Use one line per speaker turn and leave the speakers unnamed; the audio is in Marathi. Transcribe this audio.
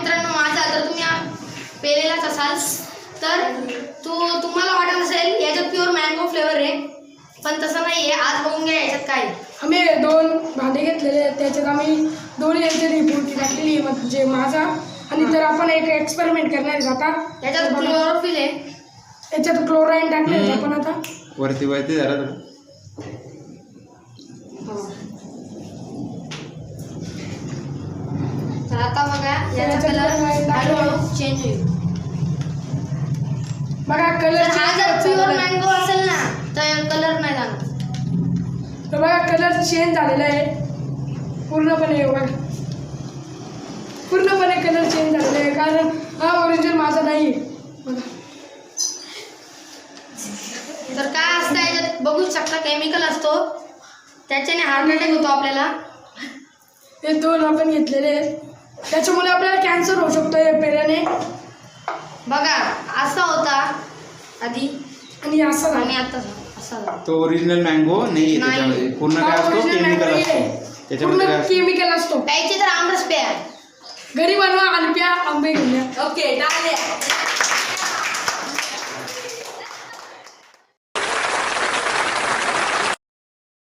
मित्रांनो माझा तर तुम्ही पेलेलाच असाल तर तुम्हाला वाटत असेल याच्यात प्युअर मँगो फ्लेवर आहे, पण तसं नाही आहे. आज बघून घ्या याच्यात काय.
आम्ही 2 भांडे घेतलेले आहेत, त्याच्यात आम्ही 2 याच्यात फ्रुटी टाकलेली म्हणजे माझा. आणि तर आपण एक एक्सपेरिमेंट करणार आहे आता.
याच्यात क्लोरोफिल आहे,
याच्यात क्लोराईन टाकले आपण आता.
वरती जरा
तर आता बघा याचा कलर हळूहळू चेंज होईल.
बघा कलर
हा जर प्युअर मँगो असेल ना तर कलर नाही जाणार.
तर बघा कलर चेंज झालेला आहे पूर्णपणे. बघा पूर्णपणे कलर चेंज झालेला आहे, कारण हा ओरिजिनल माझा नाही आहे. बघा
तर काय असतं याच्यात बघू शकता, केमिकल असतो त्याच्याने हार्ट अटॅक होतो आपल्याला.
हे 2 आपण घेतलेले आहेत, त्याच्यामुळे आपल्याला कॅन्सर होऊ शकतो या पेल्याने.
बघा असा होता आधी
आणि असं
आणि आता असा झाला.
तो ओरिजिनल मँगो नाही आहे त्याच्यामध्ये. पूर्ण काय असतो केमिकल असतो त्याच्यामध्ये.
पूर्ण केमिकल असतो.
प्यायचे तर आमरस प्या,
घरी बनवा आणि प्या, आंबे घेऊन या.
ओके.